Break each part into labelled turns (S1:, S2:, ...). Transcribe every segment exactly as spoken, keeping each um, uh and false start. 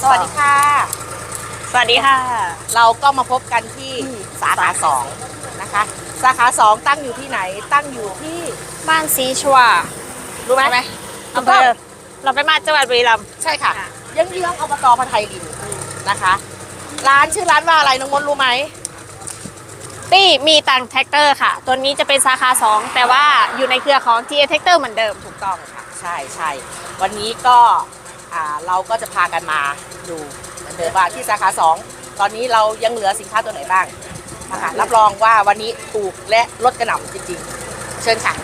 S1: สวัสดีค่ะ
S2: สวัสดีค่ะ
S1: เราก็มาพบกันที่สาขาสองนะคะสาขาสองตั้งอยู่ที่ไหนตั้งอยู่ที่
S2: บ้านซีชัว
S1: รู้ไหม
S2: ใช่ไหม
S1: ถู
S2: อำ
S1: ก
S2: เภ
S1: ต้อง
S2: อเราไปมาจังหวัดบุรีรัมย์
S1: ใช่ค่ะ
S2: ค่ะ
S1: เยื้องๆอบตพไทยลินนะคะ ร้านชื่อร้านว่าอะไรน้องมดรู้ไหม
S2: ตี้มีตังแท็กเตอร์ค่ะ ตัวนี้จะเป็นสาขาสองแต่ว่าอยู่ในเครือของ ที เอ แท็กเตอร์เหมือนเดิม
S1: ถูกต้องค่ะใช่ใช่วันนี้ก็อ่าเราก็จะพากันมาดูเหมือนเดิมว่าที่สาขาสองตอนนี้เรายังเหลือสินค้าตัวไหนบ้างนะคะรับรองว่าวันนี้ถูกและลดกระหน่ำจริงๆ เชิญค่ะ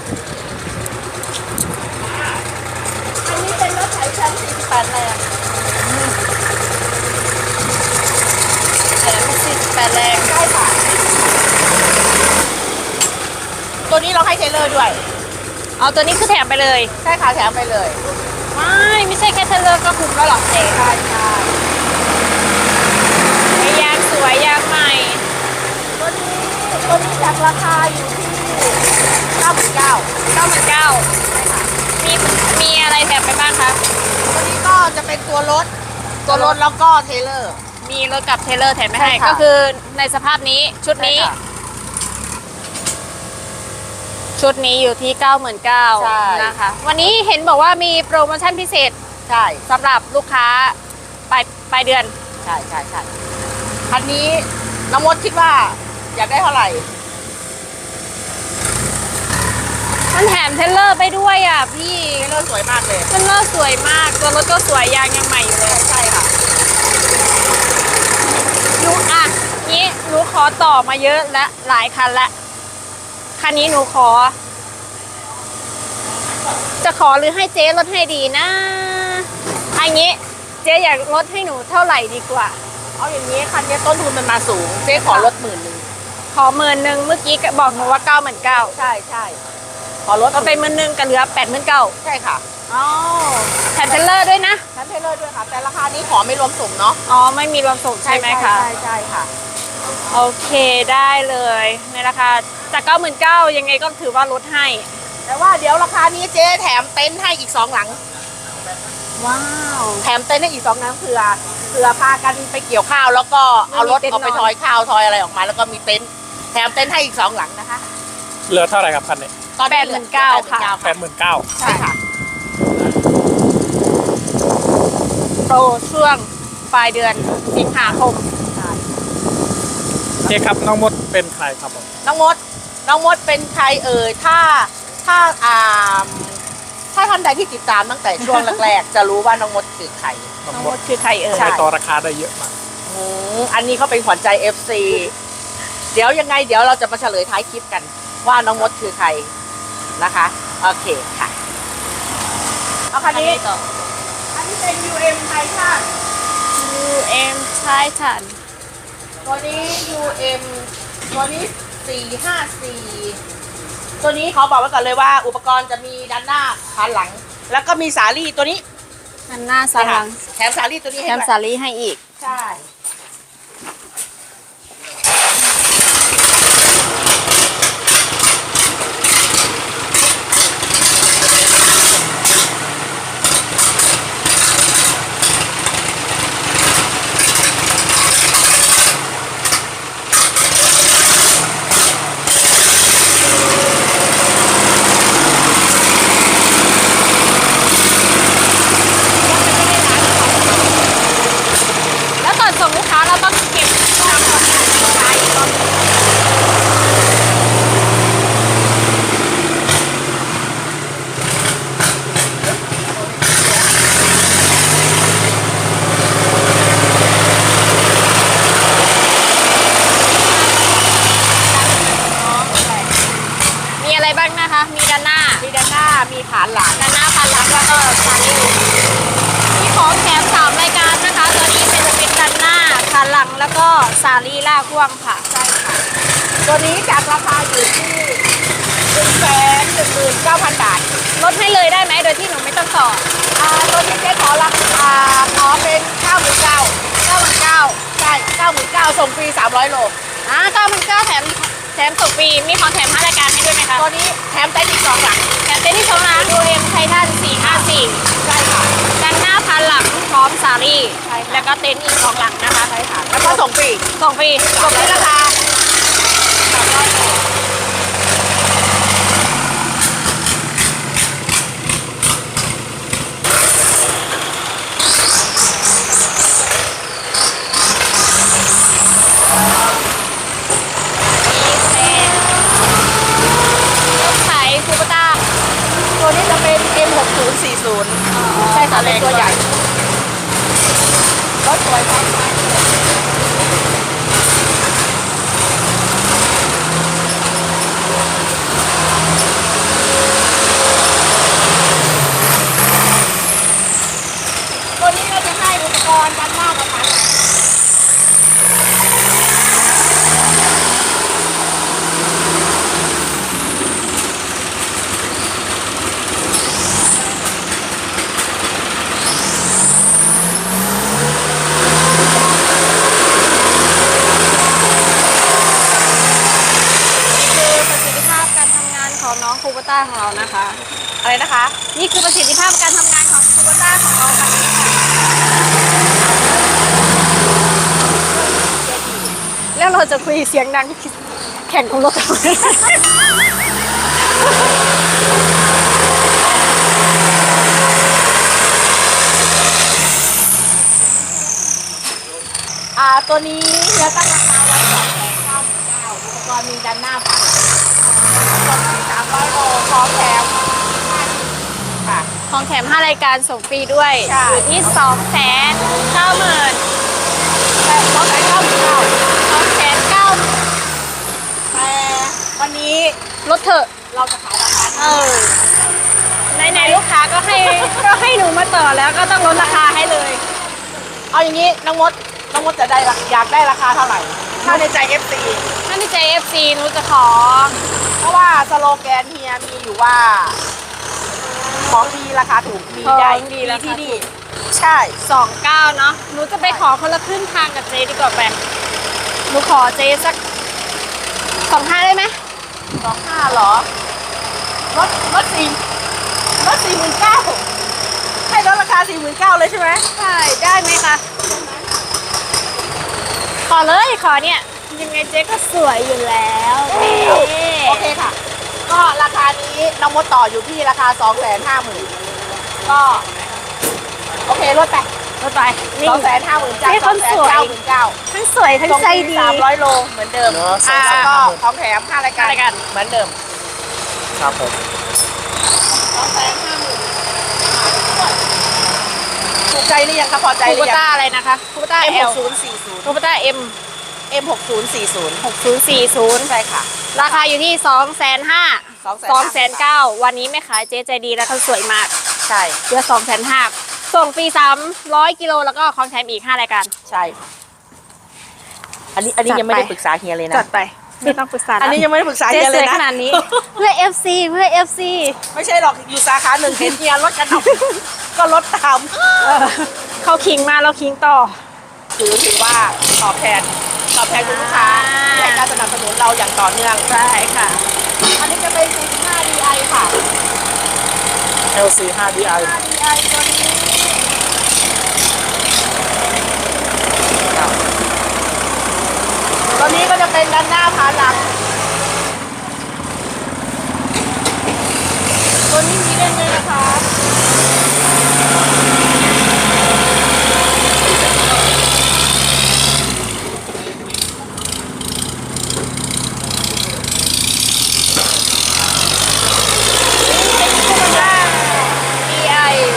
S1: อันนี้เป็นรถไถชั้นสี่สิบแปดแรงแถมสี่สิบแปดแรงใช่ค่ะตัวนี้เราให้เทเลอร์ด้วย
S2: เอาตัวนี้คือแถมไปเลย
S1: ใช่ค่ะแถมไปเลย
S2: ไม่ไม่ใช่แค่เทเลอร์ก็คุ้มแล้วหรอกเจ๊
S1: ใช่ใช่
S2: ยางสวยยางใหม่
S1: ตัวนี้ตัวนี้จากราคาอยู่ที่เก้าหมื่นเก้า
S2: เก้าหมื่นเก้า
S1: ใช่ค่ะ
S2: มีมีอะไรแถมไปบ้างคะ
S1: ตัวนี้ก็จะเป็นตัวรถตัวรถแล้วก็เทเลอร์
S2: มีรถกับเทเลอร์แถมไม่ให้
S1: ใช่ค่ะ
S2: ก็คือในสภาพนี้ชุดนี้
S1: ใช่ค่ะ
S2: ชุดนี้อยู่ที่ เก้าหมื่นเก้าพัน
S1: ใช่
S2: นะคะ วันนี้เห็นบอกว่ามีโปรโมชั่นพิเศษ
S1: ใช่
S2: สำหรับลูกค้าปลายปลายเดือน
S1: ใช่ใช่ใช่คันนี้น้องมดคิดว่าอยากได้เท่าไหร่
S2: มันแถมเทรลเลอร์ไปด้วยอ่ะพี่
S1: เทเลอร์สวยมากเลย
S2: เทรลเลอร์สวยมาก ตัวรถก็สวยยางยังใหม่อยู่เลย
S1: ใช่ค่ะ
S2: หนูอ่ะนี้หนูขอต่อมาเยอะและหลายคันละคันนี้หนูขอ จะขอหรือให้เจ๊ลดให้ดีนะอันนี้เจ๊อยากลดให้หนูเท่าไหร่ดีกว่า
S1: เอาอย่างนี้คันนี้ต้นทุนมันมาสูงเจ๊ขอลดหมื่นหนึ่ง
S2: ขอหมื่นหนึ่งเมื่อกี้ก็บอกหนูว่าเก้าหมื่นเก้า
S1: ใช่ใช่ขอลด
S2: ก็เป็นหมื่นหนึ่งก็เหลือแปดหมื่นเก้า
S1: ใช่ค่ะ
S2: อ๋อแถมเทรลเลอร์ด้วยนะ
S1: แถมเทเลอร์ด้วยค่ะ แต่ราคานี้ขอไม่รวมส่งเนาะ
S2: อ๋อไม่มีรวมส่งใช่ไหมคะ
S1: ใช่ใช่ค่ะ
S2: โอเคได้เลยในราคาจากเก้าหมื่นเก้ายังไงก็ถือว่าลดให้
S1: แต่ว่าเดี๋ยวราคานี้เจ๊แถมเต็นท์ให้อีกสองหลัง
S2: ว้าว
S1: แถมเต็นท์ให้อีกสองหลังเผื่อเผื่อพากันไปเกี่ยวข้าวแล้วก็เอารถเอาไปทอยข้าวทอยอะไรออกมา แล้วก็มีเต็นท์แถมเต็นท์ให้อีกสองหลังนะคะ
S3: เหลือเท่าไหร่ครับคันนี้
S1: ตอนนี้เหลือ
S2: แปดหมื่นเก้าค่ะ
S3: แปดหมื่นเก้า
S1: ใช่ค่ะ
S2: โปรช่วงปลายเดือนสิงหาคม
S3: เจ๊ครับน้องมดเป็นใครครับผม
S1: น้องมด น้องมดเป็นใครเอ่ย ถ้า ถ้าอ่าถ้าท่านใดที่ติดตามตั้งแต่ช่วงแรกๆ จะรู้ว่าน้องมดคือใคร
S3: น้อง
S2: น้อง
S3: ม
S2: ม
S3: ด
S2: ดคือใครเอ่ย
S1: ใช่
S3: ใช้ต่อราคาได้เยอะมาก
S1: อืมอันนี้เขาเป็นขวัญใจ เอฟ ซี เดี๋ยวยังไงเดี๋ยวเราจะมาเฉลยท้ายคลิปกัน ว่าน้องมดคือใครนะคะ โอเคค่ะ เอาคันนี้
S2: ต่อ
S1: อันนี้เป็น ยู เอ็ม ไททัน
S2: ยูเอ็มใช้ทัน
S1: ตัวนี้ ยู เอ็ม ตัวนี้สี่ห้าสี่ตัวนี้เขาบอกไว้ก่อนเลยว่า อุปกรณ์จะมีด้านหน้าด้านหลัง แล้วก็มีสาลี่ตัวนี้
S2: อันหน้าสาลัง
S1: แถมสาลี่ตัวนี้
S2: แถ
S1: ให้
S2: ม
S1: ด้วย
S2: สาลีให้อีก
S1: ใช่
S2: แล้วก่อนส่งลูกค้าเราต้องเก็บตามคนงานลูกค้าอีกรอบหนึ่งมีอะไรบ้างนะคะ มีด้านหน้า
S1: มีด้านหน้ามีฐานหลัง
S2: ด้านหน้าพันหลังแล้วก็ซาลีมีของแถมสามรายการนะคะ ตัวนี้เป็นจะเป็นด้านหน้าพันหลังแล้วก็ซาลีล่าพ่วงค่ะ
S1: ใช่ค่ะ ตัวนี้จากราคาอยู่ที่หนึ่งแสนหนึ่งหมื่นเก้าพันบาท
S2: ลดให้เลยได้ไหมโดยที่หนูไม่ต้องต่อ
S1: อ่าตัวนี้เจ๊ขอราคาขอเป็นเก้าหมื่นเก้า
S2: เก้าหมื่นเก้า
S1: ใช่เก้าหมื่นเก้าส่งฟรีสามร้อยโล
S2: อ่าเก้าหมื่นเก้าแถมแถมส่งฟรีมีของแถมห้ารายการให้ด้วยไหมคะ
S1: ตัวนี้แถมเต็นท์อีกสองหลัง
S2: แถมเต็นท์ที่ชมร้านดูเอ็มไททันสี่ห้าสี่
S1: ใช่ค่ะ
S2: ด้านหน้าพันหลังพร้อร้อมสาลี่
S1: ใช่ค่ะ
S2: แล้วก็เต็นท์อีกสองหลังนะคะ
S1: ใช่ค่ะแล้วก็ส่งฟรี
S2: ส่งฟรี
S1: ส่งในราคาสามร้อยบาท
S2: รถไถคูปต้า
S1: ตัวนี้จะเป็น เอ็ม หกศูนย์สี่ศูนย์ ใช่ค่ะเป็นตัวใหญ่รถสวยมากตัวนี้เราจะให้อุปกรณ์ด้านหน้ากับภายหลัง
S2: คือประสิทธิภาพการทำงานของน้องคูปต้าของเรานะคะ
S1: อะไรนะคะ
S2: นี่คือประสิทธิภาพการทำงานของคูปต้าของเราค่ะแล้วเราจะคุยเสียงดังแข่งของรถทำไม
S1: อ่าตัวนี้เฮียตั้งราคาไว้สองแสนเก้าหมื่นเก้าอุปกรณ์มีด้านหน้าผ่านสามร้อยโลพร้อมแถมห้าชิ้นค่ะ
S2: ของแถมห้ารายการส่งฟรีด้วย
S1: ใช่
S2: อยู่ที่สองแสนเก้าหมื่น
S1: แต่สองแสนเก้าหมื่นเก้า
S2: สองแสนเก้า
S1: แต่วันนี้
S2: ลดเถอะ
S1: เราจะขายราคา
S2: เออในๆลูกค้าก็ให้ก็ให้หนูมาต่อแล้วก็ต้องลดราคาให้เลย
S1: เอาอย่างนี้น้องมดน้องมดจะได้ราอยากได้ราคาเท่าไหร่ถ้าในใจ เอฟ ซี
S2: ถ้าในใจ เอฟ ซี หนูจะขอ
S1: เพราะว่าสโลแกนเฮียมีอยู่ว่า ของดีราคาถูกมีได้
S2: ของดีราคาถูก
S1: ที่นี่ใช่
S2: สองเก้าเนาะ หนูจะไปขอคนละครึ่งทางกับเจดีกว่าแปหนูขอเจสักสองห้าได้ไหม
S1: สองห้าเหรอลดลดสี่ลดสี่หมื่นเก้าให้ลดราคาสี่หมื่นเก้าเลยใช่ไหม
S2: ใช่ได้ไหมคะ ขอเลยขอเนี่ย ยังไงเจ๊ก็สวยอยู่แล้วนี่
S1: โอเคค่ะ ก็ราคานี้น้องมดต่ออยู่ที่ราคาสองแสนห้าหมื่นก็โอเคลดไป
S2: ลดไปนี่
S1: สองแสนห้าหมื่นจาก
S2: ให้
S1: ส
S2: ค
S1: อง
S2: น
S1: แส
S2: ส
S1: น
S2: วย
S1: เก้าหมื่นเก้า
S2: ทั้งสวยทั้งใจดี
S1: สามร้อยโลเหมือนเดิม
S3: เหรอ
S1: อ่า
S3: สองแสน
S1: ก็
S3: ห้าหมื่น
S1: ของแถมห้ารายการ
S2: ห้ารายการ
S1: เหมือนเดิม
S3: ครับผม
S1: สองแสนห้าหมื่นถูกใจหรือยังคะพอใจห
S2: คู
S1: รื
S2: ป
S1: อยัง
S2: ต้าอะไรนะคะคูปต้า
S1: เอ็ม
S2: เอ
S1: ห
S2: ล
S1: กศูนย์สี่ศูนย์
S2: คูปต้าเอ็ม
S1: เอ็มหกศูนย์สี่ศูนย์
S2: หกศูนย์สี่ศูนย์
S1: ใช่ค่ะ
S2: ราคาอยู่ที่สองแสนห้า
S1: สองแสน
S2: สองแสนเก้าวันนี้แม่ขายเจ๊ใจดีแล้วเขาสวยมาก
S1: ใช่
S2: เหลือสองแสนห้าส่งฟรีสามร้อยกิโลแล้วก็ของแถมอีกห้ารายการ
S1: ใช่ อันนี้อันนี้
S2: จัด
S1: ยังไม่ได้
S2: ไป
S1: ปรึกษาเฮียเลยนะ
S2: จัดไปไม่ต้องปรึกษา
S1: อันนี้ยังไม่ได้ปรึกษา
S2: เจ๊
S1: เฮีย
S2: ส
S1: เล
S2: วย
S1: ยนะ
S2: ขนาดนี้ เพื่อ เอฟ ซี เพื่อ เอฟ ซี
S1: ไม่ใช่หรอกอยู่สาขาหนึ่งเห็นเฮียลดกันหน่อยก็ลดตาม
S2: เออเขาคิงมาเราคิงต่อ
S1: ถือถือว่าตอบแทนตอบแทนคุณลูกค้า
S2: อ่า
S1: ที่ให้การสนับสนุนเราอย่างต่อเนื่อง
S2: ใช่ค่ะ
S1: อันนี้จะเป็น สี่สิบห้า ดี ไอ ค่ะ
S3: เอล ซี ห้า ดี ไอ
S1: ห้า ดี ไอ ตัวนี้ตัวนี้ก็จะเป็นด้านหน้าพาหลัง ตัวนี้มีเล่นเลยนะคะ
S2: ดี ไอ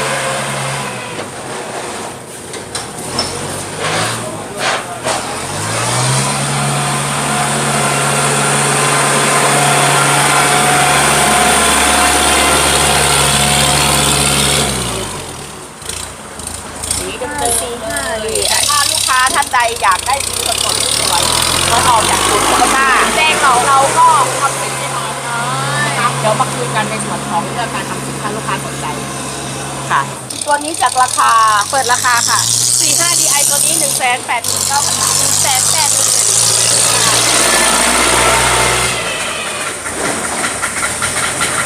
S1: สีเดิมๆ
S2: สี่ห้า
S1: ดีถ้าลูกค้าท่านใดอยากได้สีสดๆสวยๆก็ออกจากศูนย์โคโรนาแจ้งเราเราก็ทำสีให้น้องครับเดี๋ยวมาคุยกันในส่วนของเรื่องการทำสีถ้าลูกค้าสนใจค่ะ ตัวนี้จากราคา
S2: เปิดราคาค่ะ
S1: สี่ห้า ดี ไอ ตัวนี้ หนึ่งแสนแปดหมื่นเก้าพัน บาท
S2: หนึ่งแสนแปดหมื่น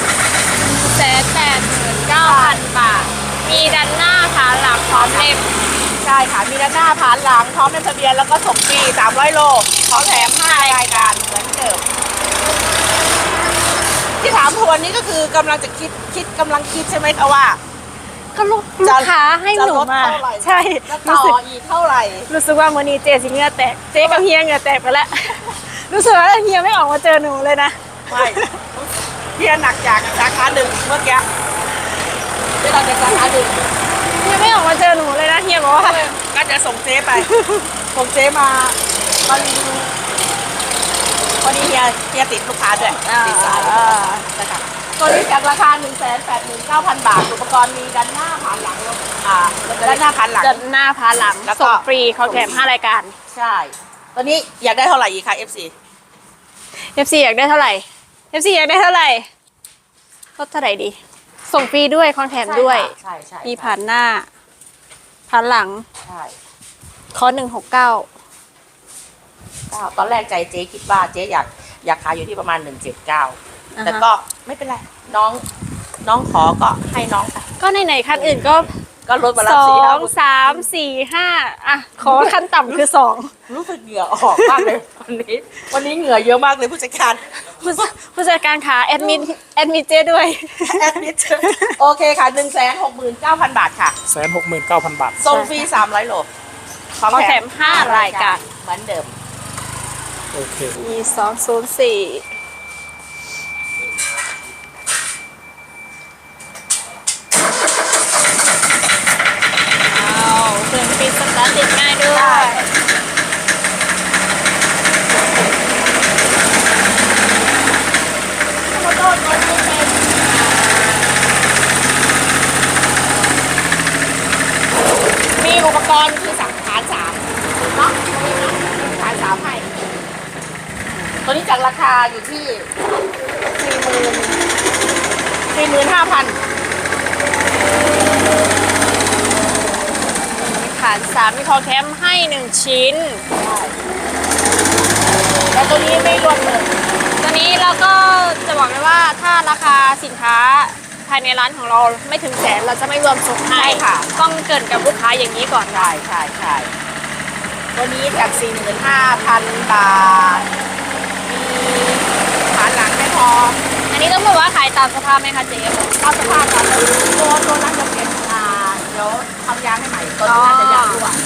S2: แสนแปดหมื่นเก้าพันบาท มีด้านหน้าขาหลังพร้อมเล่ม
S1: ช่ค่ะ มีด้านหน้าผ่านหลังพร้อมในทะเบียนแล้วก็ส่งฟรีสามร้อยโลพร้อมแถมห้ารายการเหมือนเดิมที่ถามทวนนี้ก็คือกำลังจะคิดคิดกำลังคิดใช่ไหมคะว่า
S2: ก็ลูกลูกค้าให้หนูมา
S1: จะลดเท่าไหร่
S2: ใช่
S1: จะต่
S2: รู้สึก
S1: ออีกเท่าไหร่
S2: รู้สึกว่าวันนี้เจสิเหงื่อแตกเจกับเฮียเหงื่อแตกไปแล้ว รู้สึกว่าเฮียไม่ออกมาเจอหนูเลยนะ
S1: ไม่เพียหนักจากสาขาหนึ่งเมื่อกี้ที่เราจากสาขาหนึ่ง
S2: เฮียไม่ออกมาเจอหนูเลยนะเฮียบอกว่า
S1: ก็จะส่งเจ๊ไปส่งเจ๊มามารีวิวพอดีเฮียเฮียติดลูกค้าด้วยติดสายนะครับตัวนี้จากราคา หนึ่งแสนแปดหมื่นเก้าพัน บาทอุปกรณ์มีด้านหน้าผ่านหลังอ่าด้านหน้าผ่านหลัง
S2: เดินหน้าพาหลัง
S1: แล้วก็
S2: ส่งฟรีเขาแถมห้ารายการ
S1: ใช่ตอนนี้อยากได้เท่าไหร่อีกคะ เอฟ ซี
S2: เอฟซีอยากได้เท่าไหร่เอฟซีอยากได้เท่าไหร่ลดเท่าไหร่ดี ส่งฟรีด้วยของแถมด้วย
S1: ใช่ใช่
S2: มีผ่านหน้าผ่านหลัง
S1: ใช่
S2: คอหนึ่งหกเก้า
S1: ก็ตอนแรกใจเจ๊คิดว่าเจ๊อยากอยากขายอยู่ที่ประมาณหนึ่งเจ็ดเก้าแต่ก็ไม่เป็นไรน้องน้องขอก็ให้น้องไป
S2: ก็ในไหนๆคันอื่นก็
S1: ก็ลดมาแล้
S2: ส
S1: ว
S2: อ
S1: สี่ห้าง
S2: สามสี่ห้าอ่ะขอขั้นต่ำคือสอง
S1: รู้สึกเหงื่อออกมากเลยวันนี้ วันนี้เหงื่อเยอะมากเลยผู้จัดการ
S2: ผู้ผู้จัดการขาแอดมินแอดมินเจด้วย
S1: แอดมิดโอเคค่ะหนึ่งแสนหกหมื่นเก้าพันบาทค่ะ
S3: แสนหกหมื่นเก้าพันบาท
S1: ส่งฟรีสามร้อยโล
S2: พร้อมแถมห้ารายการ
S1: เหมือนเดิม
S3: โอเค
S2: มีสองศูนย์สี่เครื่องปิดสตาร์ทติดง่ายด้วย
S1: โมโต้ตัวนี้เป็นมีอุปกรณ์คือสังขารสามเนาะสังขารสามให้ตัวนี้จากราคาอยู่ที่สี่หมื่นสี่หมื่นห้าพัน
S2: ฐานสามมีคอแคมให้หนึ่งชิ้น
S1: แต่ตัวนี้ไม่รวมเลย
S2: ตัวนี้เราก็จะบอกเลยว่าถ้าราคาสินค้าภายในร้านของเราไม่ถึงแสนเราจะไม่รวมส่งให้
S1: ใช่ค่ะ
S2: ต้องเกรินกับลูกค้าอย่างนี้ก่อน
S1: ใช่ใช่ใช่ตัวนี้จาก สี่หมื่นห้าพัน บาท มีฐานหลังไม่พร้อม
S2: อันนี้ต้องบอกว่าขายตามสภาพไหมคะเจ๊
S1: เอาสภาพกันเลยตัวตัวนั้นจะเป็นอ่าเดี๋ยวทำยางให้ใหม่ตัวนี้น่าจะยางรั่วยาง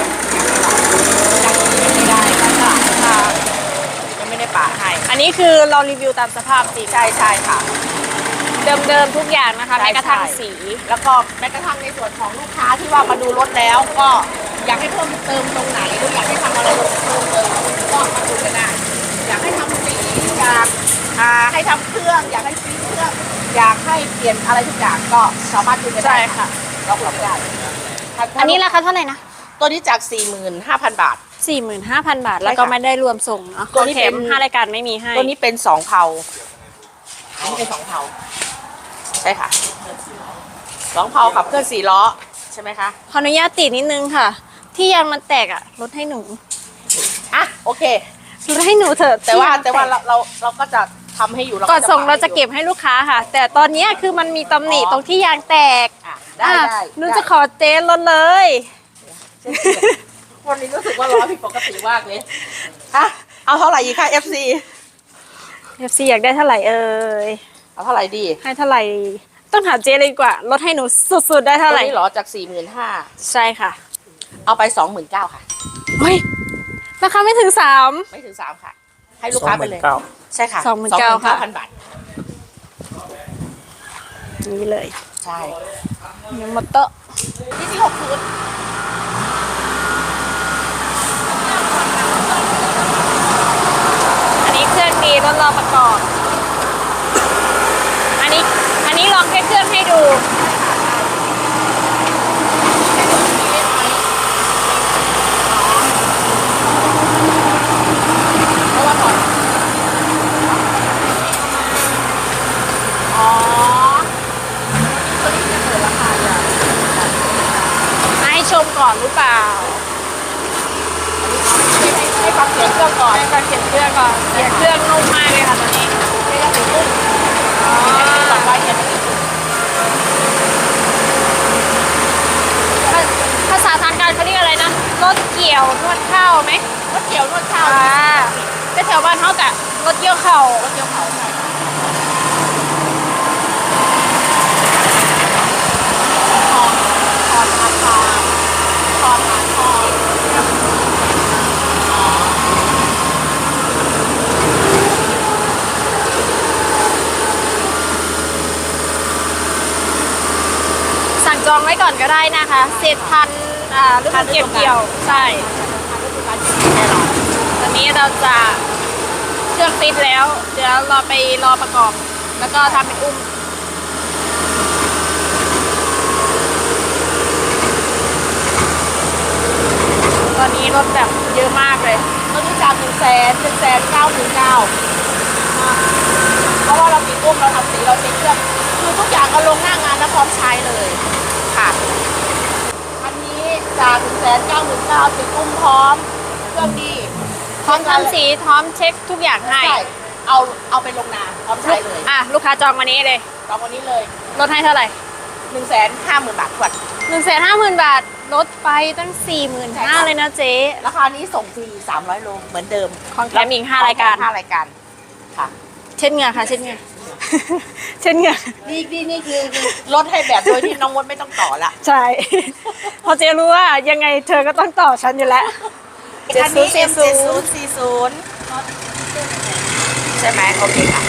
S1: นี้ไม่ได้ก็จะอ่ายังไม่ได้ปาดให้
S2: อันนี้คือเรารีวิวตามสภาพจริง
S1: ใช่ใช่ค่ะ
S2: เดิมๆทุกอย่างนะคะ
S1: ใช่
S2: แม้กระทั่ง
S1: ใช่
S2: สี
S1: แล้วก็แม้กระทั่งในส่วนของลูกค้าที่ว่ามาดูรถแล้วก็อยากให้เพิ่มเติมตรงไหนหรืออยากให้ทำอะไรเพิ่มเติมก็มาดูกันได้อยากให้ทำสีอยากอ่าให้ทำเครื่อง อยากให้ซีเครื่องอยากให้เปลี่ยนอะไรทุกอย่างก็สามารถดูกันได้
S2: ใช่ค่ะ
S1: เราทำได้
S2: อันนี้ราคาเท่าไหร่นะ
S1: ตัวนี้จาก สี่หมื่นห้าพัน บาท
S2: สี่หมื่นห้าพัน บาท
S1: ใช่ค่ะ
S2: แล้วก็ไม่ได้รวมส่งเนาะ
S1: ตัวนี้
S2: แถ
S1: เป็
S2: ม
S1: น
S2: ห้ารายการไม่มีให้
S1: ตัวนี้เป็นสองเผาอันนี้เป็นสองเผาใช่ค่ะสองเผาขับเคลื่อนสี่ล้อใช่ไหมคะ
S2: ขออนุญาตติดนิดนึงค่ะ ที่ยางมันแตกอ่ะลดให้หนู
S1: อ่ะโอเค
S2: ลดให้หนูเถอะ
S1: แต่ว่า
S2: ที่ยง
S1: แต่ว่า
S2: ก
S1: เราเราเราก็จะทำให้อยู่เรา
S2: ก่อนส่ง
S1: ป
S2: เราจะ
S1: ให้อยู่
S2: เก็บให้ลูกค้าค่ะ แต่ตอนเนี้ยคือมันมีตำหนิ
S1: อ๋อ
S2: ตรงที่ยางแตก
S1: อ่ะได้
S2: อ่ะ
S1: ได้
S2: หนูจะขอเจ๊ลดเลย
S1: เช่นเดียววันนี้รู้สึกว่าร้อนผิดปกติมากเลยอ่ะเอาเท่าไหร่อีกค่ะ เอฟ ซี
S2: เอฟซีอยากได้เท่าไหร่เอ่ย
S1: เอาเท่าไหร่ดี
S2: ให้เท่าไหร่ต้องถามเจ๊เลยดีกว่าลดให้หนูสุดๆได้เท่าไหร่
S1: ตัวนี้เหรอจากสี่หมื่นห้า
S2: ใช่ค่ะ
S1: เอาไปสองหมื่นเก้าค่ะ
S2: เฮ้ยราคาไม่ถึงสาม
S1: ไม่ถึงสามค่ะ ให้ลูกค้าไปเลย
S3: สองหมื่นเก้า
S1: ใช่ค่ะ
S2: สองหมื่นเก้าค่ะ
S1: พันบาท
S2: นี่เลย
S1: ใช่
S2: มีมอเตอร์
S1: ที่ที่หกศูนย์
S2: อันนี้เครื่องดีรถรอประกอบ อันนี้อันนี้ลองแค่เครื่องให้ดู
S1: เพราะว่าก่อนอ๋อตัวนี้จะเปิดราคาอย่าง
S2: ให้ชมก่อนหรือเปล่า
S1: ให้ให้ให้ฟังเสียงเครื่องก่อน
S2: ให้การเขียนเครื่องก่อนเขียนเครื่องนุ่มมากเลยค่ะตอนนี้
S1: ไม่ต้องถึงกุ้ง
S2: อ๋อ
S1: สองใบเนี่ยไม่ถึงกุ้ง
S2: ภาษาทางการเขาเรียกกี่ยวนวดข้าวไหม
S1: รถเกี่ยวนวดข้าว
S2: อ่าก็แถวบ้านเขากะรถเกี่ยวเข่าร
S1: ถเกี่ยวเขาใช่ค่ะทอนทอนอาคารทอนอาคาร
S2: สั่งจองไว้ก่อนก็ได้นะคะเศษพันธุ์อ่าฤดูเก็บเกี่ยวใช่
S1: แน่นอน
S2: ตอนนี้เราจะเครื่องติดแล้ว เดี๋ยวเราไปรอประกอบ แล้วก็ทำเป็นอุ้ม ตอนนี้รถแบบเยอะมากเลย
S1: ตอนนี้จากหนึ่งแสนหนึ่งแสนเก้าหมื่นเก้าเพราะว่าเราติดอุ้มเราทำสีเราเช็คเครื่องคือทุกอย่างก็ลงหน้างานแล้วพร้อมใช้เลยค่ะอันนี้จากหนึ่งแสนเก้าหมื่นเก้าติดอุ้มพร้อมเครื่องดี
S2: พร้อมทำสีพร้อมเช็คทุกอย่างให้
S1: ใช่เอาเอาไปลงนาพร้อมใช้เลย
S2: อ่ะลูกค้าจองวันนี้เลย
S1: ตอนวันนี้เลย
S2: ลดให้เท่าไหร่
S1: หนึ่งแสนห้าหมื่นบาททวน
S2: หนึ่งแสนห้าหมื่นบาทลดไปตั้งสี่หมื่น
S1: ใช่
S2: ห้า
S1: ค่ะ
S2: เลยนะเจ๊
S1: ราคานี้ส่งฟรีสามร้อยโลเหมือนเดิม
S2: ของแถมอีกห้ารายการ
S1: ห้ารายการค่ะ
S2: เช่นเหงื่อค่ะเช่นเหงื่อ เช่นเหงื่อ
S1: นี่นี่นี่คือลดให้แบบโดยที่น้องมดไม่ต้องต่อละ
S2: ใช่ เพราะเจ๊รู้ว่ายังไงเธอก็ต้องต่อฉันอยู่แล้ว
S1: คันนี้ เอ็ม เจ็ด
S2: เจ็ดศู
S1: ศู
S2: น
S1: น
S2: ย์
S1: ย์ สี่ศูนย์ใช่ไหมโอเคค่ะ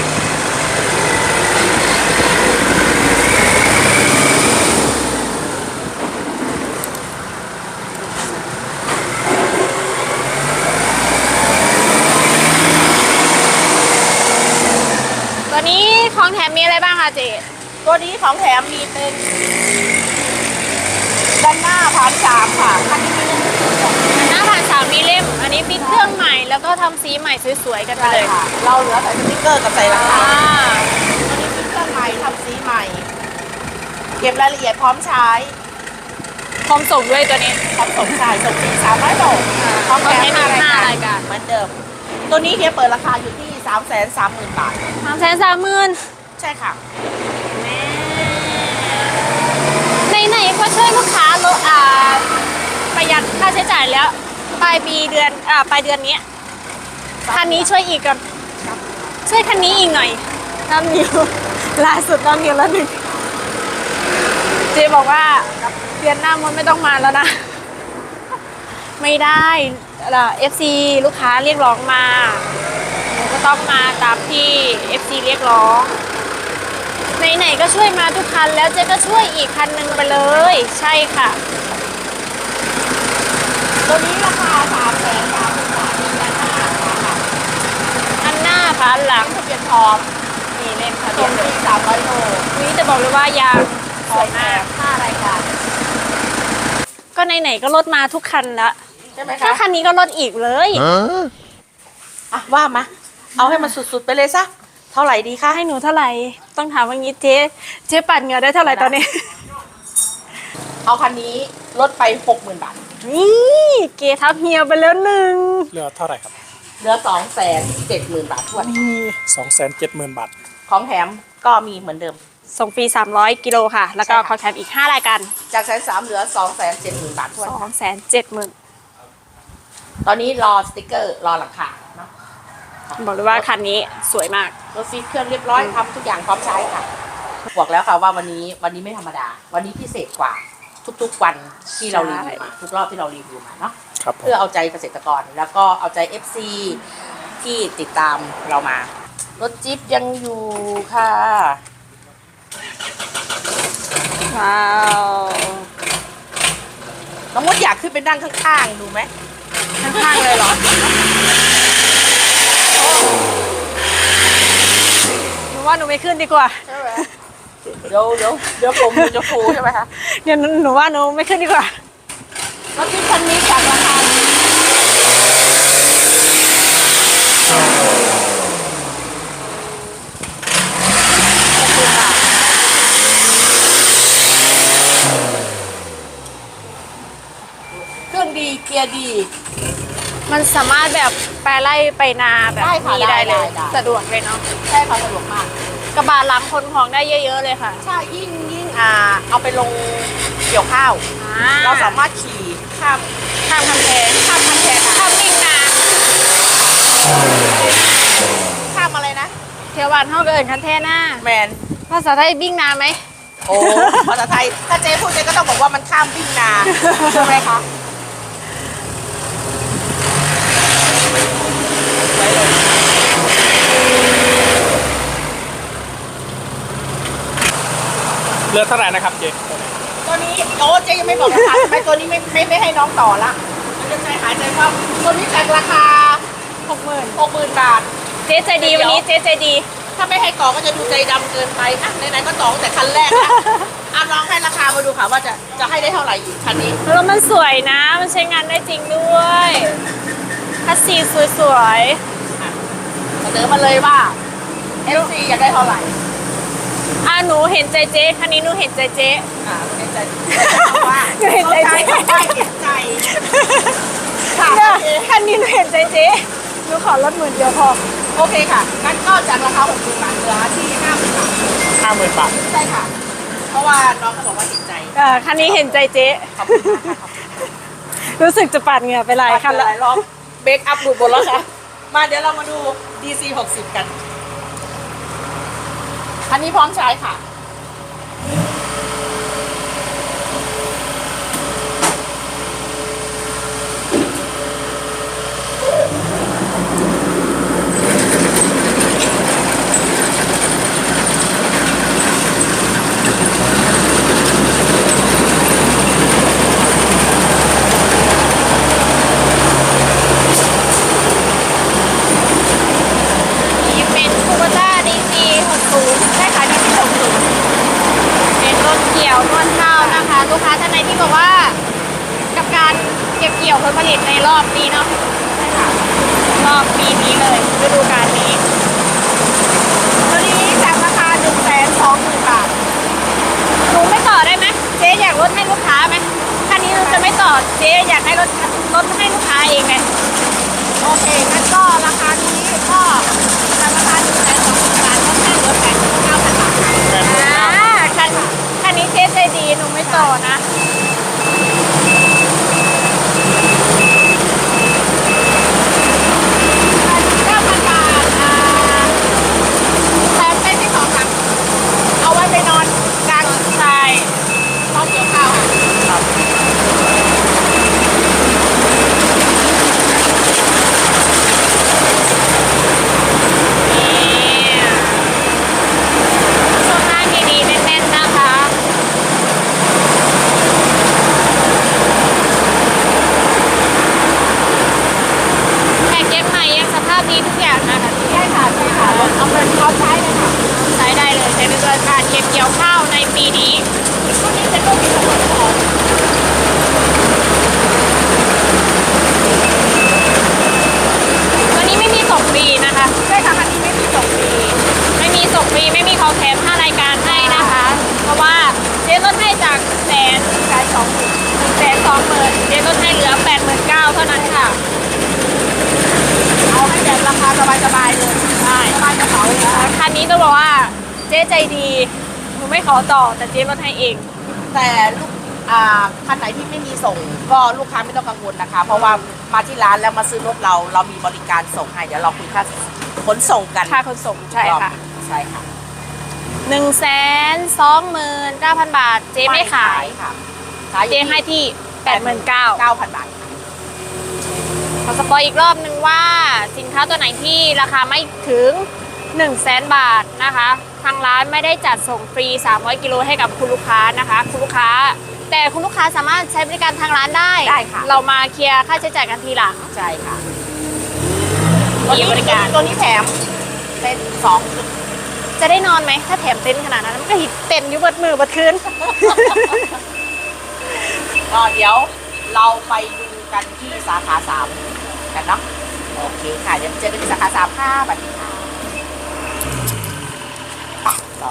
S2: ตัวนี้ของแถมมีอะไรบ้างคะเจ๊
S1: ตัวนี้ของแถมมีเป็นด้านหน้าพานสามค่ะคันนี้มีเรื่องที่สอง
S2: หน้าผ่านสามมีเล่ม อันนี้ปิดเครื่องใหม่แล้วก็ทำสีใหม่สวยๆกันไป
S1: ใช่
S2: เลย
S1: ค่ะ เราเหลือแต่สติ๊กเกอร์กับใส่ราคา
S2: อ่า
S1: ตัวนี้พิมพ์เครื่องใหม่ทำสีใหม่ เก็บรายละเอียดพร้อมใช้
S2: พร้อมส่งด้วยตัวนี้
S1: พร้อมส่งจ่ายส่งฟรีสามร้อยโลพร้อมแถม
S2: พร้อมแถมอีกห้า
S1: ห้าราร
S2: าย ย
S1: กา
S2: การ ร
S1: เหมือนเดิม ตัวนี้เฮียเปิดราคาอยู่ที่สามแสนสามหมื่นบาท
S2: สามแสนสามหมื่น
S1: ใช่ค่ะ
S2: ไหนๆก็ช่วยลูกค้าลดอ่าประหยัดค่าใช้จ่ายแล้ว ปลายปีเดือนอ่าปลายเดือนนี้คันนี้ช่วยอีกก่อนช่วยคันนี้อีกหน่อยน้ำนิวล่าสุดน้ำนิวแล้วหนึ่งเจบอกว่าเดือนหน้ามันไม่ต้องมาแล้วนะ ไม่ได้เอฟซีลูกค้าเรียกร้องมาหนูก็ต้องมาตามที่ เอฟ ซี เรียกร้องไหนๆก็ช่วยมาทุกคันแล้วเจ๊ก็ช่วยอีกคันหนึ่งไปเลย ใช่ค่ะ
S1: ตัวนี้ราคาสามแสนสามหมื่นบาทมีด้านหน้าค่ะ
S2: อันหน้าค่ะอันหลัง
S1: ทะเบียนพร้อม
S2: นี่เล่มทะเบี
S1: ส่
S2: ย
S1: ง
S2: น
S1: ฟรีสามร้อยโล
S2: นี่จะบอกเลยว่ายางสวยมาก
S1: ห้ารายการ
S2: ก็ไหนๆก็ลดมาทุกคันแล้ว
S1: ใช่ไหม
S2: ถ้า
S1: คะ
S2: คันนี้ก็ลดอีกเลย
S1: อ่ะว่ามา เอาให้มันสุดๆไปเลยซะ เท่าไหร่ดีคะ
S2: ให้หนูเท่าไหร่ ต้องถามว่างี้เจ๊เจ๊ปั่นเหงื่อได้เท่าไหร่ตอนนี้
S1: เอาคันนี้ลดไปหกหมื่นบาท
S2: นี่เกทับเฮียไปแล้วหนึ่ง
S3: เหลือเท่าไหร่ครับ
S1: เหลือสองแสนเจ็ดหมื่นบาททวน
S3: สองแสนเจ็ดหมื่นบาท
S1: ของแถมก็มีเหมือนเดิม
S2: ส่งฟรีสามร้อยกิโลค่ะ แล้วก็
S1: ใช่ค่ะ
S2: คอแถมอีกห้ารายการ
S1: จากแสนสามเหลือสองแสนเจ็ดหมื่นบาททวน
S2: สองแสนเจ็ดหมื่น
S1: ตอนนี้รอสติกเกอร์รอหลังคาเนาะ
S2: บอกเลยว่าคันนี้สวยมาก
S1: รถฟิตเครื่องเรียบร้อยทำทุกอย่างพร้อมใช้ค่ะ บอกแล้วค่ะว่าวันนี้วันนี้ไม่ธรรมดา วันนี้พิเศษกว่าทุกๆวันที่เรารีวิวมาทุกรอบที่เรารีวิวมาเนาะ
S3: ครับผม
S1: เพื่อเอาใจเกษตรกรแล้วก็เอาใจ เอฟ ซี ที่ติดตามเรามา รถจิ๊บยังอยู่ค่ะ
S2: ว้าว
S1: น้องมดอยากขึ้นไปนั่งข้างๆดูไหม
S2: ข้างๆเลยเหรอหนูว่าหนูไม่ขึ้นดีกว่า
S1: ใช่ไหมเดี๋ยวเดี๋ยวเดี๋ยวผมจะฟูใช่ไหมคะ
S2: เดี๋ยวหนูว่าหนูไม่ขึ้นดีกว่า
S1: รถจิ๊บคันนี้จากราคาเครื่องดีเกียร์ดี
S2: มันสามารถแบบไปไล่ไปนาแบบ
S1: ได้ค่ะ
S2: นี้ได้เลย
S1: ได้ได้
S2: สะดวกเลยเนาะ
S1: ใช่ค่ะสะดวกมาก
S2: กระบะหลังคนของได้เยอะๆเลยค่ะ
S1: ใช่ยิ่งยิ่งอ่าเอาไปลงเกี่ยวข้าว
S2: อ่
S1: เราสามารถขี่ข้าม
S2: ข้ามกำแพงานเท่ากับเอิญคันเทน่า
S1: แมน
S2: ภาษาไทยบิ้งนาไหม
S1: โอ้ภาษาไทยถ้าเจ๊พูดเจ๊ก็ต้องบอกว่ามันข้ามวิ่งนาใช่ไหมคะไว้เลย
S3: เลือกเท่าไหร่นะครับเจ๊
S1: ตัวนี้โอ้เจ๊ยังไม่บอกราคาใช่ไหมตัวนี้ไม่ไม่ไม่ให้น้องต่อละมันจะใจหายใจว่าตัวนี้แต่ราคา
S2: หกหมื่น
S1: หกหมื่นบาท
S2: เจ๊ใจดีวันนี้เจ๊ใจดี
S1: ถ้าไม่ให้ต่อก็จะดูใจดำเกินไปอ่ะไหนๆก็ต่อตั้งแต่คันแรกนะอ่ะลองให้ราคามาดูค่ะว่าจะจะให้ได้เท่าไหร่อีกคันนี้
S2: แล้วมันสวยนะ มันใช้งานได้จริงด้วยคัสซีสวย
S1: เสนอมาเลยว่า เอฟ ซี อยากได้เท่าไหร่
S2: ๆอ่ะหนูเห็นใจเจ๊คันนี้หนูเห็นใจเจ๊
S1: อ่าเห็นใจว่า
S2: หนูเห็นใจเจ๊
S1: เขาใช้เห็นใจค่ะ
S2: เนี่ย
S1: โอเค
S2: คันนี้หนูเห็นใจเจ๊หนูขอลดหมื่นเดียวพอ
S1: โอเคค่ะงั้นก็จากราคาหกหมื่นบาทเหลือที่ห้าหมื่นบาท
S3: ห้าหมื่นบาท
S1: ใช่ค่ะ เพราะว่าน้องเขาบอกว่าเห็นใจ
S2: เออคันนี้เห็นใจเจ๊
S1: ขอบคุณมากค่ะขอบคุณ
S2: รู้สึกจะปาดเหงื่อไปหลายคัน
S1: ห
S2: ละ
S1: ลายรอบเบรกอัพหลุดหมดแล้วค่ะ มาเดี๋ยวเรามาดู ดี ซี หกสิบกัน อันนี้พร้อมใช้ค่ะ
S2: นี่เป็นคูเบต้า ดี ซี หกสิบใช่ค่ะ ดี ซี หกสิบเป็นรถเกี่ยวนวดข้าวนะคะ ลูกค้าท่านไหนที่บอกว่า กับการเก็บเกี่ยวผลผลิตในรอบนี้เนาะใช่ค่ะรอบปีนี้เลยฤดูกาลนี้
S1: ตัวนี้จากราคาหนึ่งแสนสองหมื่นบาท
S2: หนูไม่ต่อได้ไหมเจ๊อยากลดให้ลูกค้าไหมคันนี้หนูจะไม่ต่อเจ๊อยากให้ลดลดให้ลูกค้าเองไง
S1: โอเคงั้นก็ราคานี้ก็จากราคาหนึ่งแสนสองหมื่นบาทก็แค่เหลือแปดหมื่นเก้าพันบาท
S3: แปดหมื่น
S2: อ่า
S3: เก้า
S2: คันคันนี้เจ๊ใจดีหนูไม่ต่อนะ
S1: เก้าพันบาทอ่าแถมเป็นที่สองค่ะเอาไว้ไปนอนกลาง
S2: ใช่
S1: ตอนเกี่ยวข้าวค่ะ
S3: ครับ
S2: นี่ช่วงหน้าดีๆแน่นๆนะคะแพ็กเกจใหม่ยังสภาพดีทุกอย่างนะคะ
S1: ใช่ค่ะใช่ค่ะเอาเงินเขาใช้เลยค่ะ
S2: ใช้ได้เลยในฤดูกาลเก็บเกี่ยวข้าวในปีนี้
S1: พวกนี้จะต้องมีทั้งหมดของ
S2: ตัวนี้ไม่มีส่งฟรีนะคะ
S1: ใช่ค่ะคันนี้ไม่มีส่งฟรี
S2: ไม่มีส่งฟรีไม่มีของแถมห้ารายการให้นะคะ เพราะว่าเจ๊ลดให้จากแสน
S1: แสนสองหมื่น
S2: แสนสองหมื่นเจ๊ลดให้เหลือแปดหมื่นเก้าเท่านั้นค่ะ
S1: เอาให้แบบราคาสบายๆเลย
S2: ใช่
S1: สบายกระเป๋าเลยนะคะ
S2: คันนี้ต้องบอกว่าเจ๊ใจดีหนูไม่ขอต่อแต่เจ๊ลดให้เอง
S1: แต่ลูกอ่าคันไหนที่ไม่มีส่งก็ลูกค้าไม่ต้องกังวลนะคะ เพราะว่ามาที่ร้านแล้วมาซื้อรถเราเรามีบริการส่งให้เดี๋ยวเราคุยค่าขนส่งกัน
S2: ค่าขนส่งใช่ค่ะ
S1: ใช่ค่ะ
S2: หนึ่งแสนสองหมื่นเก้าพันบาท เจ๊ไม่ขาย
S1: ค่ะขายอ
S2: เจ๊
S1: ยู่
S2: ให้ที่แปดหมื่นเก้า
S1: เก้าพันบาทค่ะ
S2: ขอสปอยอีกรอบนึงว่าสินค้าตัวไหนที่ราคาไม่ถึงหนึ่งแสนบาทนะคะ ทางร้านไม่ได้จัดส่งฟรีสามร้อยกิโลให้กับคุณลูกค้านะคะ คุณลูกค้า แต่คุณลูกค้าสามารถใช้บริการทางร้านได้
S1: ได้ค่ะ
S2: เรามาเคลียร์ค่าใช้จ่ายกันทีหลัง
S1: ใช่ค่ะ
S2: มีบริการ
S1: ตัวนี้แถมเป็นสอง
S2: จะได้นอนไหมถ้าแถมเต็นท์ขนาดนั้นมันก็หิดเต็มอยู่เบิดมือเบิดคืน
S1: ก็เดี๋ยวเราไปดูกันที่สาขาสามกันเนาะโอเคค่ะเดี๋ยวเจอกันที่สาขาสามค่ะสวัสดีค่ะ